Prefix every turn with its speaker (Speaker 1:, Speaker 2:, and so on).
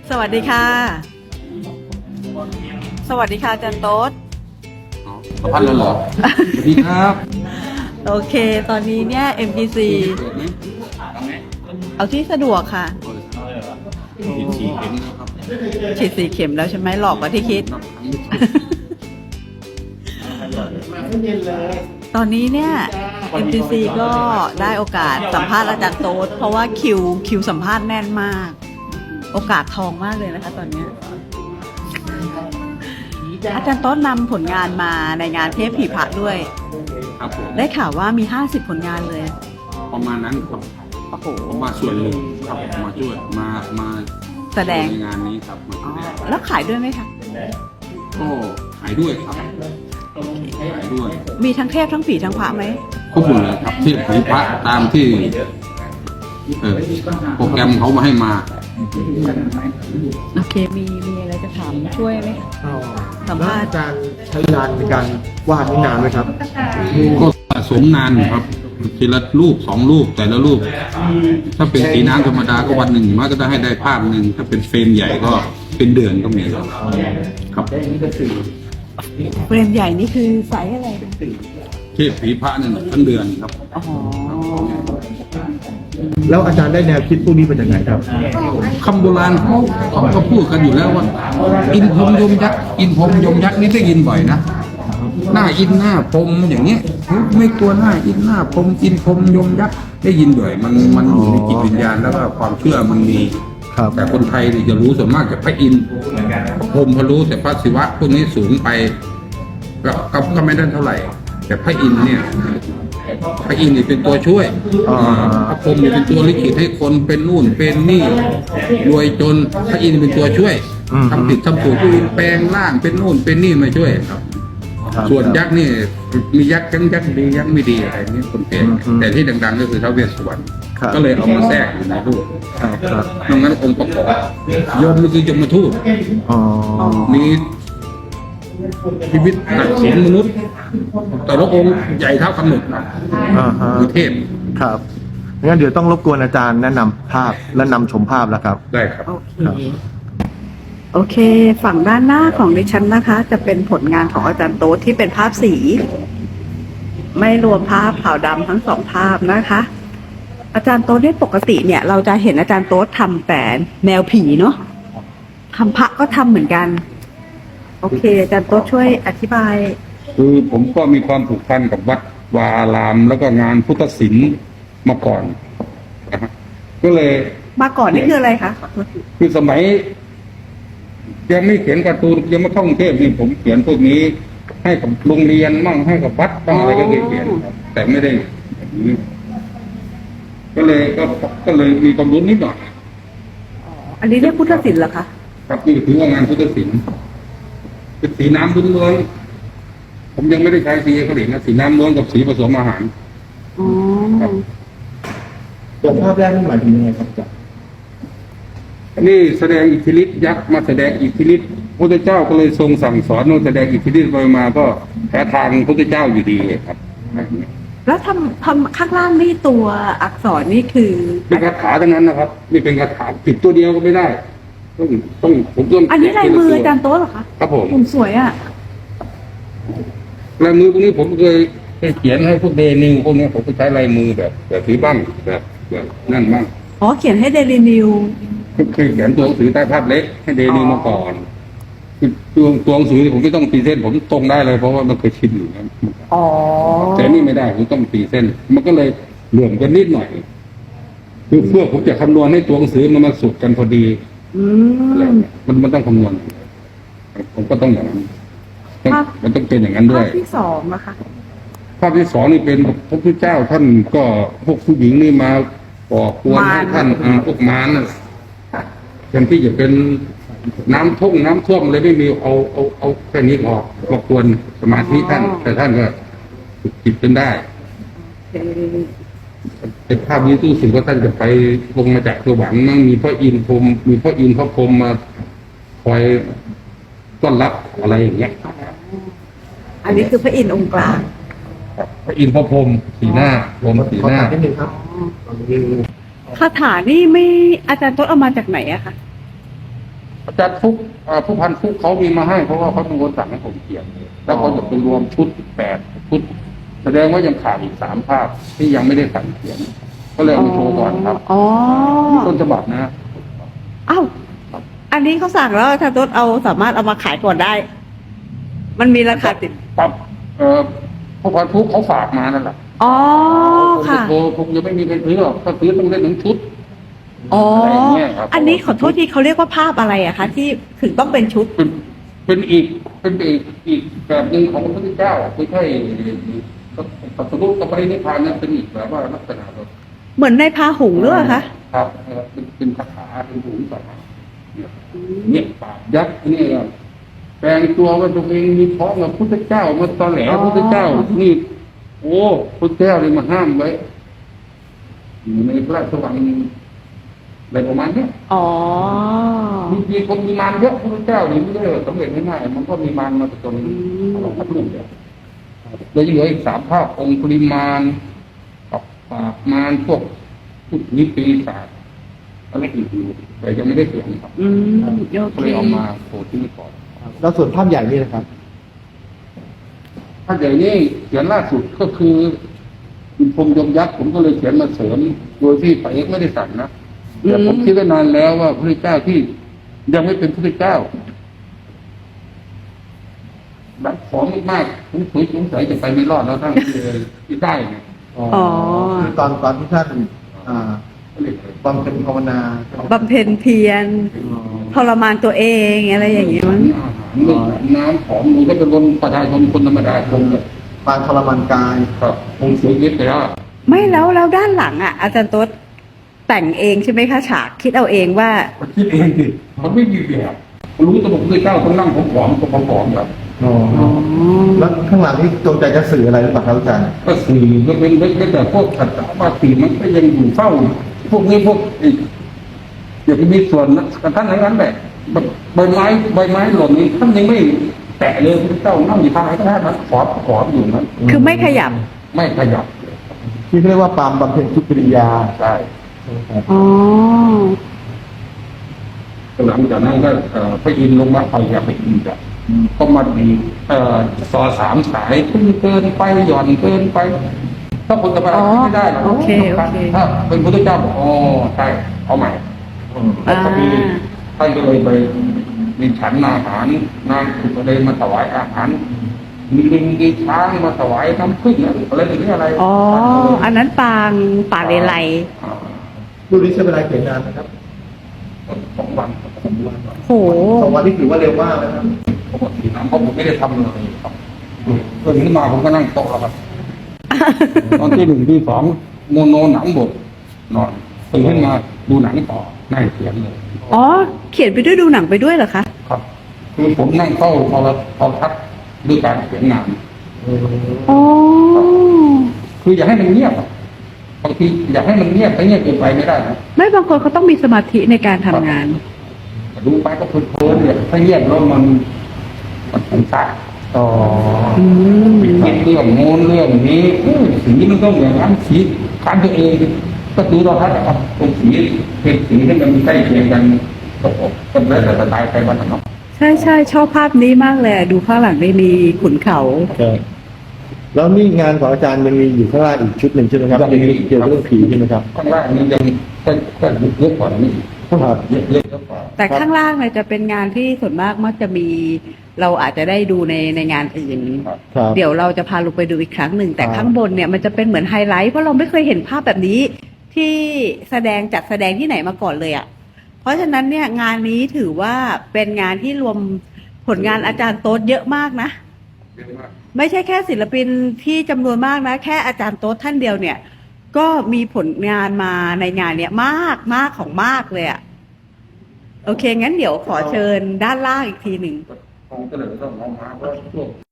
Speaker 1: สวัสดีค่ะ สวัสดีค่ะอาจารย์โต๊ด
Speaker 2: สัมภาษณ์แล้วเหรอ สวัสดีครับ
Speaker 1: โอเค ตอนนี้เนี่ย MGC เอาที่สะดวกค่ะ
Speaker 2: ฉีด4 เข็มแล้วครับ
Speaker 1: ฉีด4 เข็มแล้วใช่ไหมหลอกกว่าที่คิด ตอนนี้เนี่ย MGC ก็ได้โอกาสสัมภาษณ์อาจารย์โต๊ดเพราะว่าคิวสัมภาษณ์แน่นมาก โอกาสทองมากเลยนะคะตอนเนี้ยอาจารย์โต๊ดนำผลงานมาในงานเทพผีพระด้วย
Speaker 2: ครับผม
Speaker 1: ได้ข่าวว่ามี50 ผลงานเลย
Speaker 2: ประมาณนั้นครับ
Speaker 1: โอ้โห
Speaker 2: ผมมาส่วนหนึ่งครับมาช่วยมา
Speaker 1: แสดง
Speaker 2: ในงานนี้ครับมา
Speaker 1: อ๋
Speaker 2: แส
Speaker 1: อ
Speaker 2: ดง
Speaker 1: แล้วขายด้วยไหมคะ
Speaker 2: ก็ขายด้วยครับขายด้วย
Speaker 1: มีทั้งเทพทั้งผีทั้งพระไหม
Speaker 2: ครบหมดเลยครับที่ผีพระตามที่โปรแกรมเขามาให้มา
Speaker 1: โอเค มีอะไรจะถามช่วยไหมคะสัม
Speaker 3: แล้ว
Speaker 1: ภาษ
Speaker 3: อา
Speaker 1: ณ์
Speaker 3: จารย์ใช้เวลาในการวาดนี่นานไหมครับ
Speaker 2: ก็สะสมนานอยู่ครับทีละรูป2 รูปแต่ละรูป ถ้าเป็นสีน้ำธรรมดาก็วันหนึ่งมันก็จะให้ได้ภาพหนึ่งถ้าเป็นเฟรมใหญ่ก็เป็นเดือนก็มีครับครับ
Speaker 1: เฟรมใหญ่นี่คือไซส์อะไร
Speaker 2: เทพผีพระนั่นทั้งเดือนครับ
Speaker 1: อ๋อ
Speaker 3: แล้วอาจารย์ได้แนวคิดพวกนี้มาจากไหนครับ
Speaker 2: คำโบราณเขาก็พูดกันอยู่แล้วว่า อินพรหมยมยักษ์อินพรหมยมยักษ์นี่ได้ยินบ่อยนะหน้าอินหน้าพรหมอย่างเงี้ยไม่กลัวหน้าอินหน้าพรหมอินพรหมยมยักษ์ได้ยินบ่อยมันอยู่ในจิตวิญญาณแล้วก็ความเชื่อมันมี
Speaker 3: ครับ
Speaker 2: แต่คนไทยนี่จะรู้ส่วนมากจากพระอินทร์พระพรหมพระรู้แต่พระศิวะพวกนี้สูงไปก็ไม่ได้เท่าไหร่ แต่พระอินทร์เนี่ยพระอินทร์นี่เป็นตัวช่วยพระพรหมนี่เป็นตัวลิขิตให้คนเป็นนู่นเป็นนี่รวยจนพระอินทร์เป็นตัวช่วยทำผิดทำถูกพระอินทร์แปลงร่างเป็นนู่นเป็นนี่มาช่วยครับ
Speaker 3: ครับ
Speaker 2: ส่วนยักษ์นี่มียักษ์ทั้งยักษ์ดียักษ์ไม่ดีอะไรนี่คนเป็นแต่ที่ดังๆก็คือท้าวเวสสุวรรณ
Speaker 3: ครับ
Speaker 2: ก็เลยเอามาแทรกอยู่ในรูป
Speaker 3: ครับครับ
Speaker 2: นอกนั้นองค์ประกอบยมก็คือยมทูต
Speaker 3: อ๋อ
Speaker 2: มีชีวิตตัดสินมนุษย์ แต่ละองค์ใหญ่เท่ากำหนดครับ
Speaker 3: อ่าฮะ
Speaker 2: คือเทพ
Speaker 3: ครับงั้นเดี๋ยวต้องรบกวนอาจารย์แนะนำภาพและนำชมภาพแล้วครับ
Speaker 2: ได้ครับ
Speaker 1: โอเค โอเค ฝั่งด้านหน้าของดิฉันนะคะ จะเป็นผลงานของอาจารย์โต๊ดที่เป็นภาพสี ไม่รวมภาพขาวดำทั้ง2 ภาพนะคะ อาจารย์โต๊ดเนี่ยปกติเนี่ย เราจะเห็นอาจารย์โต๊ดทำแต่แนวผีเนาะทำพระก็ทำเหมือนกัน โอเค อาจารย์โต๊ดช่วยอธิบาย
Speaker 2: คือผมก็มีความผูกพันกับวัดวาอาราม แล้วก็งานพุทธศิลป์มาก่อนนะฮะก็เลย
Speaker 1: มาก่อนนี่คืออะไรคะ
Speaker 2: คือสมัย ยังไม่เขียนการ์ตูนยังไม่เข้ากรุงเทพนี่ผมเขียนพวกนี้ ให้กับโรงเรียนมั่งให้กับวัดบ้างอะไรก็เคยเขียนครับแต่ไม่ได้อย่างนี้ก็เลยมีความรู้นิดหน่อย
Speaker 1: อันนี้เรียกพุทธศิลป์เหรอคะ
Speaker 2: ครับนี่ถือว่างานพุทธศิลป์เป็นสีน้ำล้วนๆผมยังไม่ได้ใช้สีเขลินนะสีน้ำล้วนกับสีผสมอาหาร
Speaker 1: อ๋อ
Speaker 2: ครับ
Speaker 3: ตัวภาพแรกนี่หมายถึงยังไงครับอาจารย์
Speaker 2: นี่แสดงอิทธิฤทธิ์ยักษ์มาแสดงอิทธิฤทธิ์พระเจ้าก็เลยทรงสั่งสอนว่าแสดงอิทธิฤทธิ์ไปมาก็แพ้ทางพระเจ้าอยู่ดีครับ
Speaker 1: แล้วทำข้างล่างนี่ตัวอักษรนี่คือ
Speaker 2: เป็นคาถาทั้งนั้นนะครับนี่เป็นคาถาผิดตัวเดียวก็ไม่ได้ต้องผมต้อง
Speaker 1: อันนี้ลายมืออาจารย์โต๊ะเหรอคะ
Speaker 2: ครับผม
Speaker 1: ผมสวยอ่ะ
Speaker 2: ลายมือพวกนี้ผมเคยเขียนให้พวกเดนิวพวกนี้ผมก็ใช้ลายมือแบบถือบ้างแบบนั่นบ้าง
Speaker 1: อ๋อ เขียนให้เดลินิว
Speaker 2: เคยเขียนตัวหนังสือใต้ภาพเล็กให้เดนิวมาก่อนคือตัวหนังสือผมไม่ต้องตีเส้นผมตรงได้เลยเพราะว่ามันเคยชินอยู่แล้ว
Speaker 1: อ๋อ
Speaker 2: แต่นี่ไม่ได้ผมต้องตีเส้น มันก็เลยเหลื่อมกันนิดหน่อยคือเพื่อผมจะคำนวณให้ตัวหนังสือมันมาสุดกันพอดี
Speaker 1: อื
Speaker 2: อะไร
Speaker 1: ม
Speaker 2: เงี้ยมันต้องคำนวณผมก็ต้องอย่างนั้นมันต้องเป็นอย่างนั้นด้
Speaker 1: ภา
Speaker 2: วย
Speaker 1: พที่2นะคะ
Speaker 2: ภาพที่2นี่เป็นพระพุทธเจ้าท่านก็พวกผู้หญิงนี่มาก่อกวนให้ท่านพวกมารน่ะแทนที่จะเป็นน้ำท่วมเลยไม่มีเอาแค่นี้ออกมากวนสมาธิท่าน แต่ท่านก็ฝึกจิตจนได้
Speaker 1: เอ่อ
Speaker 2: เป็นภาพนี้ตู้สึกว่าท่านจะไปลงมาจากสวรรค์มั่งมีพระอินทร์พรหมมีพระอินทร์พระพรหมมาคอยต้อนรับอะไรอย่างเงี้ย
Speaker 1: อันนี้คือพระอินทร์องค์กลาง
Speaker 2: พระอินทร์พระพรหมสีหน้าพรหมสี
Speaker 3: ขอ
Speaker 2: หน้า
Speaker 3: ถามนิดนึงครับ
Speaker 1: คาถานี่ไม่อาจารย์โต๊ะเอามาจากไหนอะคะ
Speaker 2: อาจารย์ฟุกผู้พันฟุกเขามีมาให้เพราะว่าเขาเป็นคนสั่งให้ผมเขียนแล้วเขาจะไปรวมชุด8 ชุดแสดงว่ายังขาดอีก3 ภาพที่ยังไม่ได้สั่งเขียน ก็เลยเอามาโชว์ก่อนครับ
Speaker 1: อ๋อ
Speaker 2: นี่ต้นฉบับนะ
Speaker 1: อ้าวอันนี้เขาสั่งแล้วอาจารย์โต๊ดเอาสามารถเอามาขายก่อนได้ มันมีราคาติด
Speaker 2: ปั๊บผู้พันฟุกเขาฝากมานั่นแหละ
Speaker 1: อ๋อ
Speaker 2: ผมจะ
Speaker 1: ค่ะ
Speaker 2: โทรผมยังไม่มีใครซื้อหรอกถ้าซื้อต้องได้1 ชุด
Speaker 1: อ๋อ
Speaker 2: อะไรอย่างเงี้ยครับ
Speaker 1: อันนี้ขอโทษทีเขาเรียกว่าภาพอะไรอะคะที่ถึงต้องเป็นชุด
Speaker 2: เป็นอีกแบบหนึ่งของพระพุทธเจ้าไม่ใช่ตัดสรุปกับปรินิพพานนั้นเป็นอีกแบบว่าลักษณะแบบ
Speaker 1: เหมือนในพาหุงหรือเปล่าคะ
Speaker 2: ครับเป็นคาถาเป็นหูสาเนี่ยปากยักษ์นี่แปลงตัวว่าตัวเองมีท้องกับพุทธเจ้ามาตอแหลพุทธเจ้านี่โอ้พุทธเจ้าเลยมาห้ามไว้อยู่ในพระราชวังอะไรประมาณเนี้ย
Speaker 1: อ๋อ
Speaker 2: มีคนมีมารเยอะพุทธเจ้านี่ไม่ได้สำเร็จง่ายๆมันก็มีมารมาจนเราพัดลูกเดียวแล้วยังเหลืออีก3 ภาพองค์ปริมารกับปากมารพวกพุทธนิปีศาจอะไรอีกอยู่แต่ยังไม่ได้เขียนครับ
Speaker 1: อืมโอ
Speaker 2: ก็
Speaker 1: เค
Speaker 2: เลยเอามาโชว์ที่นี่ก่อน
Speaker 3: แล้วส่วนภาพใหญ่นี่นะครับ
Speaker 2: ถ้าอย่างนี้เขียนล่าสุดก็คืออินพรหมยมยักษ์ผมก็เลยเขียนมาเสริมโดยที่ไปเอกไม่ได้สั่งนะแต่ผมคิดไว้นานแล้วว่าพระเจ้าที่ยังไม่เป็นพระเจ้าแบบของมากๆสงสัยจะไปไม่รอดแล้วทั้งที่ได้ไง
Speaker 1: อ๋อ
Speaker 3: คือตอนที่ท่าน
Speaker 2: ก็เลย
Speaker 3: บำเพ็ญภาวนา
Speaker 1: บำเพ็ญเพียรทรมานตัวเองอะไรอย่างเงี้ยมั้ง
Speaker 2: อาหารเรื่องน้ำของหนูก็เป็นคนประชาชนคนธรรมดาคงแบบ
Speaker 3: ปานทรมานกาย
Speaker 2: ครับคงเสียชีวิตไปแล้ว
Speaker 1: ไม่แล้วด้านหลังอ่ะ อาจารย์โต๊ดแต่งเองใช่ไหมคะฉากคิดเอาเองว่า
Speaker 2: มันคิดเองสิมันไม่มีแบบรู้ตัวพระเจ้าต้องนั่งผอมๆแบบ
Speaker 3: แล้วข้างหลังนี่จงใจจะสื่ออะไรหรือเปล่าครับอาจารย์
Speaker 2: ก็สื่อก็เป็นแต่พวกขัดบาสีมันก็ยังอยู่เฝ้าพวกนี้พวกอย่าไปมีส่วนนะท่านนั้นแหละใบไม้หล่นนี้ท่านยังไม่แตะเลยพระเจ้านั่งอยู่ทางไหนก็ได้นะขออยู่นั้น
Speaker 1: คือไม่ขยับ
Speaker 2: ไม่ขยับ
Speaker 3: ที่เรียกว่าปามบำเพ็ญทุกกิริยา
Speaker 2: ใช่
Speaker 1: อ๋อ
Speaker 2: หลังจากนั้นก็พระอินทร์ลงมาไปอย่าไปอินจ้ะก็มาดีต่อ3 สายขึ้นเกินไปหย่อนเกินไป ถ้าคนธรรมดาไม่ได้หรอก
Speaker 1: โอเคโอเค
Speaker 2: ถ้าเป็นพุทธเจ้าบอกอ๋อใช่เอาใหม่แล้วก็มีท่านก็เลยไปมีฉันอาหารนางสุกเลยมาถวายอาหารมีลิงมีช้างมาถวายน้ำผึ้งอะไรอย่างนี้อะไร
Speaker 1: อ๋อ อันนั้นปางป่าเลไล
Speaker 3: รูปนี้ใช้เวลาเขียนนานนะครับ
Speaker 2: 2 วัน
Speaker 1: โห
Speaker 3: 2 วันนี่ถือว่าเร็วมากนะครับ
Speaker 2: ปกติน้ำเพราะผมไม่ได้ทำเลยครับตื่นขึ้นมาผมก็นั่งโต๊ะแล้วครับ ตอนที่1ที่2โมโนหนังบทนอนตื่นขึ้นมาดูหนังต่อนั่งเขียนเลย
Speaker 1: อ๋อ เขียนไปด้วยดูหนังไปด้วยเหรอคะ
Speaker 2: ครับ คือผมนั่งเฝ้าพอทัดด้วยการเขียนงาน
Speaker 1: อ๋อ
Speaker 2: คืออย่าให้มันเงียบอะบางทีอย่าให้มันเงียบแต่เงียบเกินไปไม่ได้นะ
Speaker 1: ไม่บางคนเขาต้องมีสมาธิในการทำงาน
Speaker 2: ดูไปก็เพลินๆเนี่ยถ้าเงียบแล้วมันสงสาร
Speaker 3: อ๋อ
Speaker 1: อืม
Speaker 2: คิดเรื่องโน้นเรื่องนี้สีมันต้องอย่างนั้นสีการตัวเองก็ดูเราทัดนะครับตรงสีเป็นสีที่มันใกล้เคียงกันก็แล้วแต่สไตล์ใครบ้างเนาะ
Speaker 1: ใช่ใช่ชอบภาพนี้มากเลยอะดูข้างหลังได้มีขุนเขา
Speaker 3: แล้วนี่งานของอาจารย์มันมีอยู่ข้างล่างอีกชุดหนึ่งใช่ไหมครับเกี่ยวกับเรื่องผีใช่ไหมครับ
Speaker 2: ข้างล่างนี้ยังก็เยอะกว่านี้
Speaker 3: ครับ
Speaker 2: เยอะกว่า
Speaker 1: แต่ข้างล่างเนี่ยจะเป็นงานที่ส่วนมากมักจะมี เราอาจจะได้ดูในงานอื่น
Speaker 3: ครับ
Speaker 1: เดี๋ยวเราจะพาลงไปดูอีกครั้งหนึ่ง แต่ข้างบนเนี่ยมันจะเป็นเหมือนไฮไลท์เพราะเราไม่เคยเห็นภาพแบบนี้ ที่จัดแสดงที่ไหนมาก่อนเลยอ่ะ เพราะฉะนั้นเนี่ยงานนี้ถือว่าเป็นงานที่รวมผลงานอาจารย์โต๊ดเยอะมากนะ
Speaker 2: เยอะมาก
Speaker 1: ไม่ใช่แค่ศิลปินที่จำนวนมากนะ แค่อาจารย์โต๊ดท่านเดียวเนี่ย ก็มีผลงานมาในงานเนี่ยมากของมากเลยอะโอเค งั้นเดี๋ยวขอเชิญด้านล่างอีกทีหนึ่ง
Speaker 2: คงจะเลยต้องเอามาเพราะพวก